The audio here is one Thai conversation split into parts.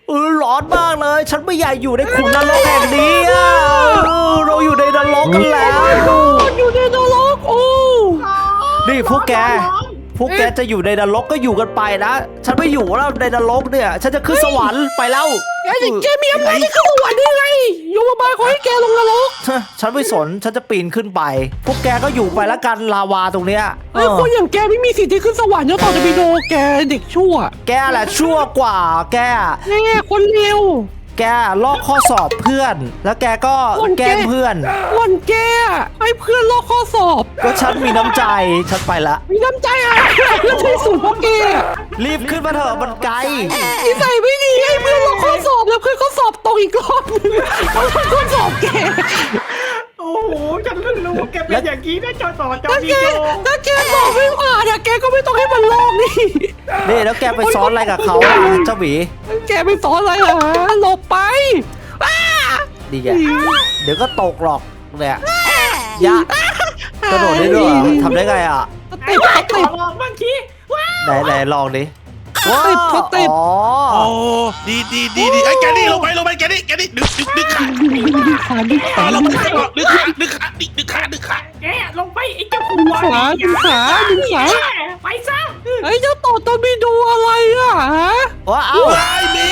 ร้อนมากเลยฉันไม่อยากอยู่ในขุมนรกแห่งนี้อะเราอยู่ในนรกกันแล้วอยู่ในนรกโอ้นี่พวกแกจะอยู่ในนรกก็อยู่กันไปนะฉันไม่อยู่แล้วในนรกเนี่ยฉันจะขึ้นสวรรค์ไปแล้วแกมีอำนาจที่ขึ้นสวรรค์ได้ไงโยมบาลขอให้แกลงนรกฉันไม่สนฉันจะปีนขึ้นไป พวกแกก็อยู่ไปแล้วกันลาวาตรงเนี้ยไอ้คนอย่างแกไม่มีสิทธิ์ที่ขึ้นสวรรค์เจ้าต่อจะไปโดแกเด็กชั่วแกแหละชั่วกว่าแกแน่คนเลวแกลอกข้อสอบเพื่อน แล้วแกก็แกล้งเพื่อนวันแกให้เพื่อนลอกข้อสอบก็ฉันมีน้ำใจฉันไปละมีน้ำใจอ่ะเพื่อนใช้สูตรพวกแกรีบขึ้นมาเถอะมันไกลนิสัยไม่ดีให้เพื่อนลอกข้อสอบแล้วเพื่อนก็สอบตกอีกรอบนึงเพราะเพื่อนข้อสอบแกโอ้โหฉันเพิ่งรู้ว่าแกเป็นอย่างนี้นะจอต่อจอถ้ามีแกโยถ้าแกสอบไม่ผ่านเนี่ยแกก็ไม่ต้องให้มันลอกนี่นี่แล้วแกไปซ้อนอะไรกับเขาอ่ะเจ้าหมีแกไปสอนอะไรเหรอหลบไปอ้าดีแกเดี๋ยวก็ตกหรอกเนี่ยยะกระโดดได้ด้วยเหรอทำได้ไงอ่ะไอ้ขอลองบ้างทีว้าไหนลองดิว้าวอ๋อโอ้ดีไอ้แกนี่ลงไปแกนี่ดึกขาดึงขาลงไปดึกขาแกลงไปไอ้เจ้าหัวดึงขาไปซะไอ้เจ้าต่อตอนไปดูอะไรอ่ะฮะว้าวว้ายมี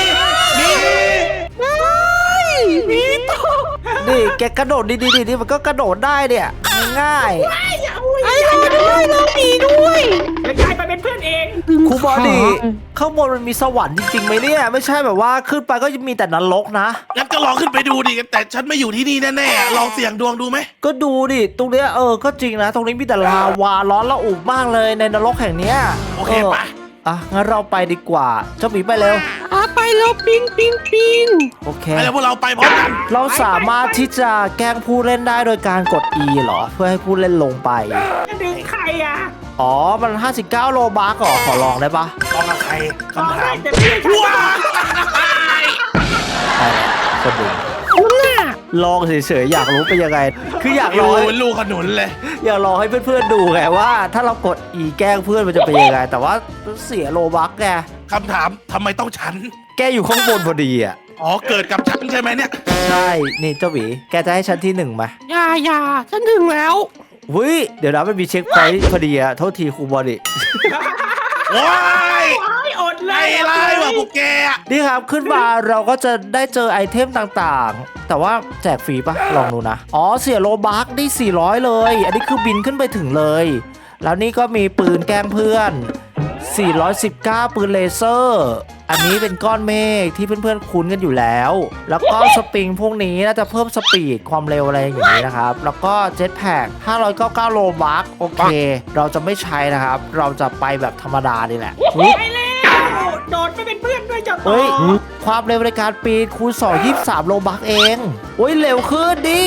มีต่อนี่แกกระโดดดีนี่มันก็กระโดดได้เนี่ยง่ายไอ้เราด้วยเรามีด้วยแล้วกลายมาเป็นเพื่อนเองๆครูบอดี้ข้างบนมันมีสวรรค์จริงๆไหมเนี่ยไม่ใช่แบบว่าขึ้นไปก็จะมีแต่นรกนะงั้นก็ลองขึ้นไปดูดิแต่ฉันไม่อยู่ที่นี่แน่ๆลองเสี่ยงดวงดูไหมก็ดูดิตรงเนี้ยก็จริงนะ ตรงนี้มีแต่ลาวาร้อนระอุมากเลยในนรกแห่งเนี้ยโอเคปะงั้นเราไปดีกว่าเจ้าหมีไปเร็วไปแล้วปิงโอเคไปแล้วพวกเราไปพร้อมกันเราสามารถที่จะแกล้งผู้เล่นได้โดยการกด E เหรอ เพื่อให้ผู้เล่นลงไปจะดึงใครอ่ะอ๋อ มัน 59 โลบาร์ขอลองได้ปะลองกับใครลองคำถาได้มแต่ไม่ใช่ฉันว้าไปคนดูคุณน่ะลองเฉยๆอยากรู้เป็นยังไง คืออยากโยลองเป็นลูกขนุนเลยอยากลองให้เพื่อนๆดูไงว่า ถ้าเรากด E แกล้งเพื่อนมันจะเป็นยังไง แต่ว่าเสียโลบักแกคำถามทำไมต้องฉันแกอยู่ข้างบนพอดีอ่ะอ๋อเกิดกับฉันใช่ไหมเนี่ยใช่ นี่เจ้าหวีแกจะให้ฉันที่หนึ่งไหมอย่าฉันถึงแล้ววิเดี๋ยวนะมันมีเช็คพอยต์พอดีอะโทษทีครูบอดี้ว้ายอดเลไอ้ยไล่ว่ะพวกแกนี่ครับขึ้นมาเราก็จะได้เจอไอเทมต่างๆ แต่ว่าแจกฟรีปะลองดูนะ อ๋อเสียโลบักได้400 เลย อันนี้คือบินขึ้นไปถึงเลย แล้วนี่ก็มีปืนแกล้งเพื่อน 419 ปืนเลเซอร์ อันนี้เป็นก้อนเมฆที่เพื่อนๆคุ้นกันอยู่แล้ว แล้วก็สปริงพวกนี้น่าจะเพิ่มสปีดความเร็วอะไรอย่างนี้นะครับ แล้วก็เจ็ตแพ็ก599 โลบักโอเค เราจะไม่ใช้นะครับ เราจะไปแบบธรรมดานี่แหละไปแล้วโดดไปเป็นเพื่อนด้วยเจ้าต่อเฮ้ย ความเร็วในการปีนคูณ2 23 โลบักเองโอ้ยเร็วขึ้นดิ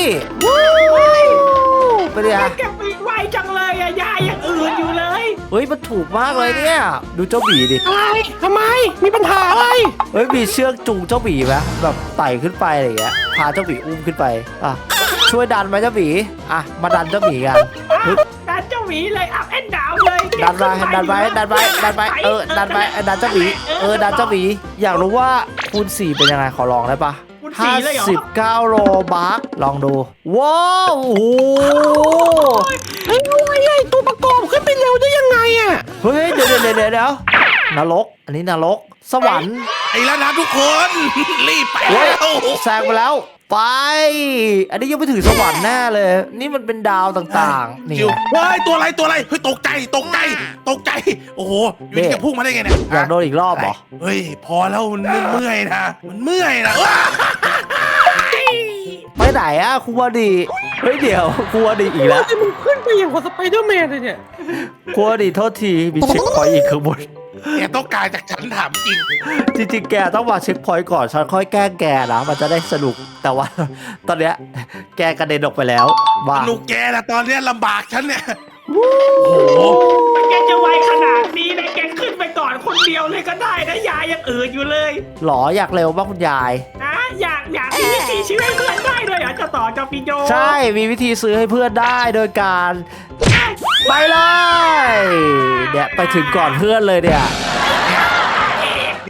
ไปดิฮะแกปีนไวจังเลยอะยายยังอื่นอยู่เลยเฮ้ย มันถูกมากเลยเนี่ย ดูเจ้าหมีดิอะไรทำไมมีปัญหาอะไรเฮ้ย มีเชือกจูงเจ้าหมีไหมแบบไต่ขึ้นไปอะไรอย่างเงี้ย พาเจ้าหมีอุ้มขึ้นไป อ่ะ ช่วยดันไหมเจ้าหมีอ่ะ มาดันเจ้าหมีกันดันเจ้าหวีเลยอัพแอนดาวเลยดันไปดันไปดันไปดันไปดันไปดันเจ้าหมีดันเจ้าหมีอยากรู้ว่าคูณ4เป็นยังไงขอลองได้ปะคุณสีเลยเหรอ 59 โลบักลองดู ว้าวโอ้โหไอ้อะไรตัวประกอบขึ้นไปเร็วได้ยังไงอ่ะเฮ้ย เดี๋ยวนรก อันนี้นรก สวรรค์ไอ้แล้วนะทุกคน รีบไปเฮ้ยแล้วแซงไปแล้ว ไป อันนี้ยังไม่ถึงสวรรค์แน่เลย นี่มันเป็นดาวต่างๆ นี่จิวว้ายตัวอะไรเฮ้ยตกใจ โอ้โหอยู่ดีจะพุ่งมาได้ไงเนี่ยอยากโดนอีกรอบเหรอเฮ้ยพอแล้วมันเมื่อยนะว้าไปไหนอะครูบอดีเฮ้ย เดี๋ยวครูบอดีอีกแล้วมันขึ้นไปอย่างกับสไปเดอร์แมนเลยเนี่ยครูบอดีโทษที มีเช็คพอยต์อีกข้างบนแกต้องการจากฉันถามจริงจริงๆ แกต้องมาเช็คพอยต์ก่อน ฉันค่อยแกล้งแกนะ มันจะได้สนุก แต่ว่า ตอนเนี้ยแกกระเด็นออกไปแล้วบ้าลูกแกนะตอนเนี้ยลำบากฉันเนี่ยโอ้โหแกจะไวขนาดนี้นะแกขึ้นไปก่อนคนเดียวเลยก็ได้นะยายยังอื่นอยู่เลยหรออยากเร็วมากคุณยายนะอยากมีวิธีชีวิตเพื่อนได้ด้วยเหรอเจ้าต่อเจ้าปิโยใช่ มีวิธีซื้อให้เพื่อนได้โดยการ ไปเลยเนี่ยไปถึงก่อนเพื่อนเลยเนี่ยเนี่ย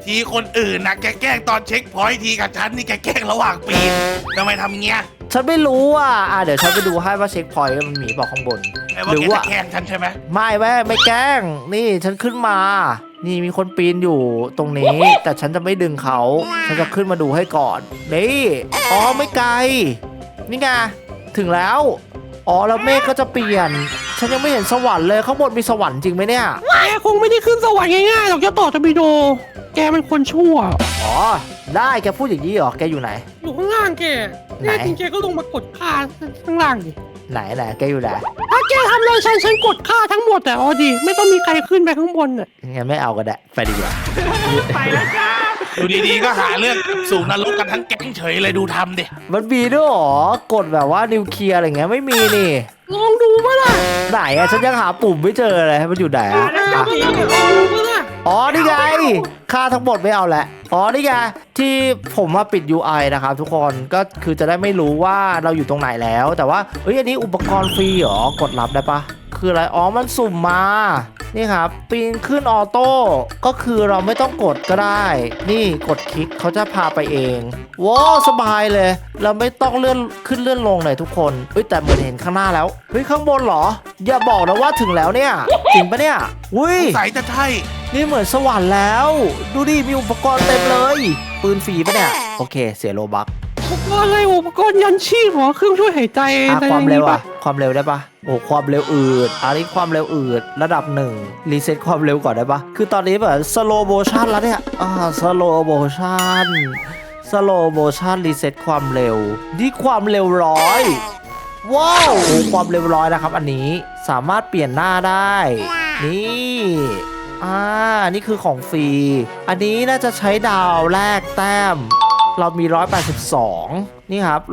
ทีคนอื่นนะแกแกล้งตอนเช็คพอยต์ทีกับฉันนี่แกแกล้งระหว่างปีนทำไมทำเงี้ยฉันไม่รู้เดี๋ยวฉันไปดูให้ว่าเช็คพอยต์มันมีบอกข้างบนไอ้ว่าหรือแกว่าจะแกล้งฉันใช่ไหมไม่แกล้งนี่ฉันขึ้นมา นี่มีคนปีนอยู่ตรงนี้ แต่ฉันจะไม่ดึงเขาฉันจะขึ้นมาดูให้ก่อนนี่อ๋อไม่ไกลนี่ไงถึงแล้วอ๋อแล้วเมฆก็จะเปลี่ยน ฉันยังไม่เห็นสวรรค์เลยข้างบนมีสวรรค์จริงไหมเนี่ยแกคงไม่ได้ขึ้นสวรรค์ง่ายๆหรอกเจ้าต่อทบิโด แกเป็นคนชั่วอ๋อได้แกพูดอย่างนี้เหรอแกอยู่ไหนอยู่ข้างล่างแกไหนแน่จริงแกก็ลงมากดค่าข้างล่างดิไหนแกอยู่ไหนถ้าแกทำอะไรฉันกดค่าทั้งหมดแต่อ๋อดีไม่ต้องมีใครขึ้นไปข้างบนน่ะงั้นไม่เอาก็ได้ไปดีกว่าไปแล้วจ้าอยู่ดีๆก็หาเรื่องสู่นรกกันทั้งแก๊งเฉยเลยดูทำดิมันมีด้วยเหรอกดแบบว่านิวเคลียร์อะไรเงี้ยไม่มีนี่ลองดูมั้ยล่ะไหนฉันยังหาปุ่มไม่เจอเลยมันอยู่ไหนมาแล้วจ้าพี่ลองดูมั้ยล่ะอ๋อนี่ไงค่าทั้งหมดไม่เอาแหละอ๋อนี่ไงที่ผมมาปิด UI นะครับทุกคนก็คือจะได้ไม่รู้ว่าเราอยู่ตรงไหนแล้ว แต่ว่าเฮ้ยอันนี้อุปกรณ์ฟรีเหรอกดรับได้ปะคืออะไรอ๋อมันสุ่มมานี่ครับปีนขึ้นออโต้ก็คือเราไม่ต้องกดก็ได้ นี่กดคลิกเขาจะพาไปเองว้าวสบายเลย เราไม่ต้องเลื่อนขึ้นเลื่อนลงเลยทุกคนเฮ้ยแต่เหมือนเห็นข้างหน้าแล้วเฮ้ยข้างบนเหรอ อย่าบอกนะว่าถึงแล้วเนี่ยจริงปะเนี่ยอุ้ยสายจะใช่นี่เหมือนสวรรค์แล้ว ดูดิมีอุปกรณ์เต็มเลย ปืนฟรีปะเนี่ย โอเค เสียโลบักอุปกรณ์อะไรอุปกรณ์ยันชีพเหรอเครื่องช่วยหายใจความเร็วปะความเร็วได้ปะโอ้ความเร็วอืดอันนี้ความเร็วอืดระดับหนึ่งรีเซ็ตความเร็วก่อนได้ปะคือตอนนี้แบบสโลโมชันแล้วเนี่ยสโลโมชันรีเซ็ตความเร็วนี่ความเร็ว100ว้าวโอ้ความเร็ว100นะครับ อันนี้สามารถเปลี่ยนหน้าได้ นี่นี่คือของฟรี อันนี้น่าจะใช้ดาวแลกแต้ม เรามี 182 นี่ครับ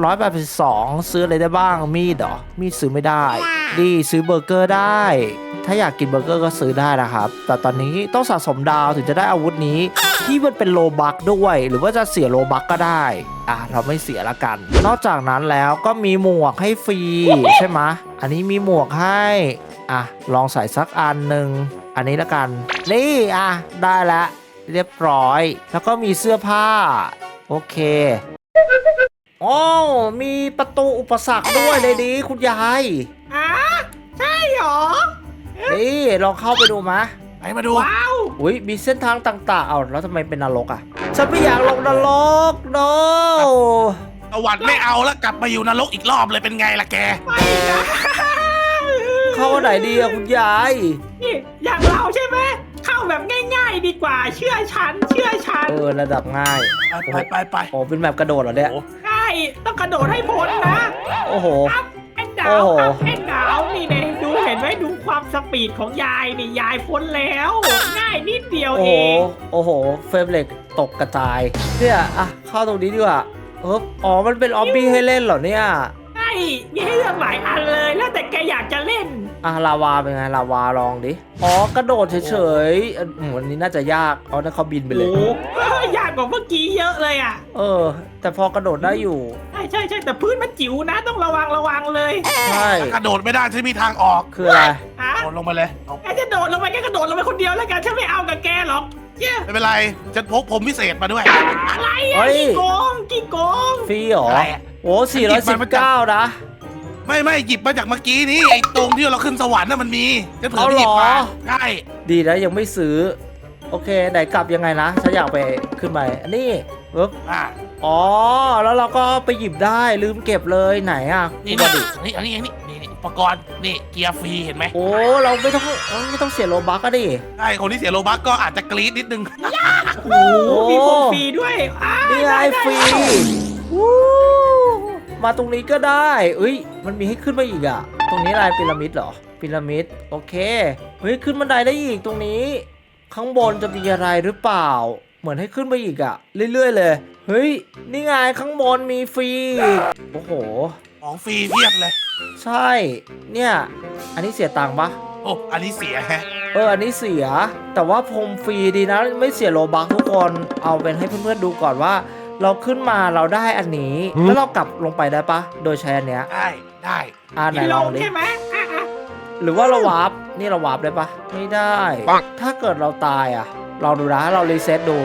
182 ซื้ออะไรได้บ้าง มีดเหรอ มีดซื้อไม่ได้ ดีซื้อเบอร์เกอร์ได้ ถ้าอยากกินเบอร์เกอร์ก็ซื้อได้นะครับ แต่ตอนนี้ต้องสะสมดาวถึงจะได้อาวุธนี้ ที่มันเป็นโลบัคด้วย หรือว่าจะเสียโลบัคก็ได้ เราไม่เสียละกัน นอกจากนั้นแล้วก็มีหมวกให้ฟรีใช่ไหมอันนี้มีหมวกให้ลองใส่สักอันหนึ่งอันนี้ละกัน นี่ได้แล้วเรียบร้อย แล้วก็มีเสื้อผ้า โอเคโอ้มีประตูอุปสรรคด้วยเลยดีคุณยายใช่หรอนี่ลองเข้าไปดูมะไปมาดูว้าวอุ้ยมีเส้นทางต่างๆแล้วทำไมเป็นนรกฉันไม่อยากลงนรกโนสวรรค์ไม่เอาแล้วกลับมาอยู่นรกอีกรอบเลยเป็นไงล่ะแกไปนะเข้าไหนดีคุณยายนี่อย่างเราใช่ไหมเข้าแบบง่ายๆดีกว่าเชื่อฉันระดับง่ายไปโอ้เป็นแบบกระโดดเหรอเนี่ยใช่ต้องกระโดดให้พ้นนะโอ้โหอัพแอนดาวโอ้โหอัพแอนดาวนี่เลยดูเห็นไหมดูความสปีดของยายนี่ยายพ้นแล้ว ง่ายนิดเดียวโอ้เอโหงโอ้โหเฟรมเล็กตกกระจายเนี่ยเข้าตรงนี้ดีกว่าอ๋อมันเป็นออบบี้ให้เล่นเหรอเนี่ยใช่มีให้เลือกหลายอันเลยแล้วแต่แกอยากจะเล่นลาวาเป็นไงลาวาลองดิกระโดดเฉยๆวันนี้น่าจะยากนั่นเขาบินไปเลยโอ้ยากกว่าเมื่อกี้เยอะเลยอ่ะแต่พอกระโดดได้อยู่ใช่แต่พื้นมันจิ๋วนะต้องระวังเลยใช่กระโดดไม่ได้ฉันมีทางออกคืออะไรฮะโดดลงไปเลยเอาแกจะโดดลงไปแกกระโดดลงไปคนเดียวแล้วกันฉันไม่เอากับแกหรอกเย้ไม่เป็นไรฉันพกผมพิเศษมาด้วยอะไรเฮ้อ่ะยกี่โกงฟรีเหรออะไรอะโอ้419นะไม่หยิบมาจากเมื่อกี้นี้ไอ้ตรงที่เราขึ้นสวรรค์น่ะมันมีฉันเผื่อไปหยิบเอาเหรมาอใช่ดีนะยังไม่ซื้อ โอเคไหนกลับยังไงนะฉันอยากไปขึ้นไปอันนี้ปึ๊บอ่ะแล้วเราก็ไปหยิบได้ลืมเก็บเลยไหนนี่คุณดิอันนี้อุปกรณ์นี่เกียร์ฟรีเห็นไหมเราไม่ต้องเสียโลบัคก็ดิใช่คนที่เสียโลบัคก็อาจจะกรี๊ดนิดนึงโอ้มีของฟรีด้วยนี่ไงฟรีวู้มาตรงนี้ก็ได้มันมีให้ขึ้นมาอีกตรงนี้อะไรพีระมิดเหรอพีระมิดโอเคขึ้นบันไดได้อีกตรงนี้ ข้างบนจะมีอะไรหรือเปล่า เหมือนให้ขึ้นไปอีกเรื่อยๆเลยนี่ไงข้างบนมีฟรีโอ้โหของฟรีเพียบเลยใช่เนี่ยอันนี้เสียตังค์ปะโอ้อันนี้เสียฮะอันนี้เสียแต่ว่าพรมฟรีดีนะไม่เสียโลบัคทุกคนเอาเป็นให้เพื่อนๆดูก่อนว่า เราขึ้นมาเราได้อันนี้แล้วเรากลับลงไปได้ปะโดยใช้อันเนี้ยได้ไหนลองดิใช่ไหมหรือว่าเราวาร์ปนี่เราวาร์ปได้ปะไม่ได้ถ้าเกิดเราตายลองดูนะเรารีเซ็ตดู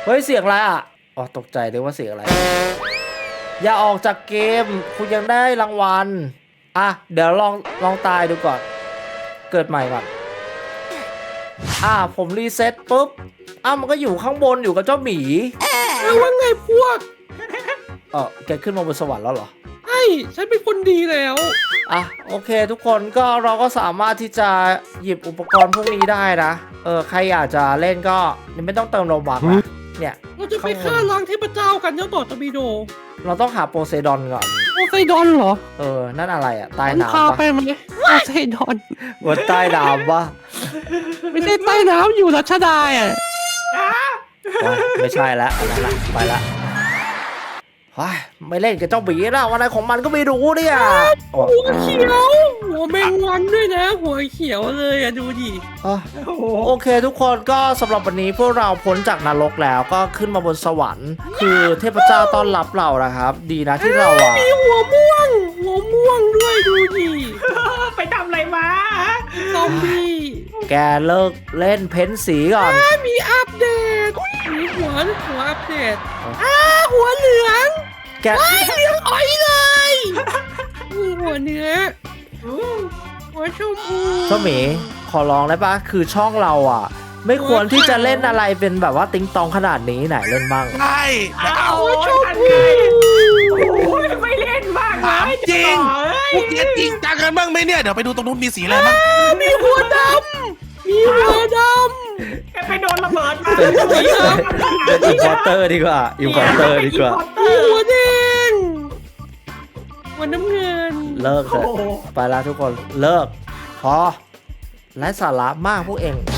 เฮ้ยเสียงอะไรอ่ะอ๋อตกใจเลยว่าเสียงอะไร อย่าออกจากเกมคุณยังได้รางวัลอ่ะเดี๋ยวลองตายดูก่อน เกิดใหม่ก่อนผมรีเซ็ตปุ๊บมันก็อยู่ข้างบนอยู่กับเจ้าหมีแล้วว่าไงพวกแกขึ้นมาบนสวรรค์แล้วเหรอใช่ฉันเป็นคนดีแล้วโอเคทุกคนก็เราก็สามารถที่จะหยิบอุปกรณ์พวกนี้ได้นะใครอยากจะเล่นก็ไม่ต้องเติมโลบักนะเนี่ยเราจะไปฆ่าล้างเทพเจ้ากันเจ้าต่อตะบีโดเราต้องหาโปเซดอนก่อนโอไซดอนเหรอนั่นอะไรใต้มันพาน้ำไปปะไหมโอไซดอนบนใต้น้ำปะไม่ใช่ใต้น้ำอยู่รัชดาอ่ะไม่ใช่แล้วอันนั้นละไปละไม่เล่นกับเจ้าหมีแล้ววันไหนของมันก็ไม่รู้เนี่ยหัวเขียว หัวแมงวันด้วยนะ หัวเขียวเลยอ่ะดูดิโอเคทุกคนก็สำหรับวันนี้พวกเราพ้นจากนรกแล้วก็ขึ้นมาบนสวรรค์ คือเทพเจ้าต้อนรับเรานะครับ ดีนะที่เรามีหัวม่วงด้วยดูดิไปทำอะไรมาซอมบี้แกเลิกเล่นเพ้นสีก่อนมีอัปเดตมีหัวอัปเดตหัวเหลืองแกเหลืองอ้อยเลยมีหัวเนื้อหัวชมพูเจ้าหมีขอร้องได้ปะคือช่องเราไม่ควรที่จะเล่นอะไรเป็นแบบว่าติ๊งตองขนาดนี้ไหนเล่นบ้างใช่เอาทันไงไม่เล่นบ้างเลถามยจริงพวกเนี้ยจริงจังกันบ้างไหมเนี่ยเดี๋ยวไปดูตรงนู้นมีสีอะไรบ้างมีหัวดำมีหัวดแกไปโดนระเบิดมาเป็นอินพอร์เตอร์ดีกว่าอินพอร์เตอร์ดีกว่าำมีหัวแดงหัวน้ำเงินเลิกเถอะไปแล้วทุกคนเลิกพอไร้สาระมากพวกเอง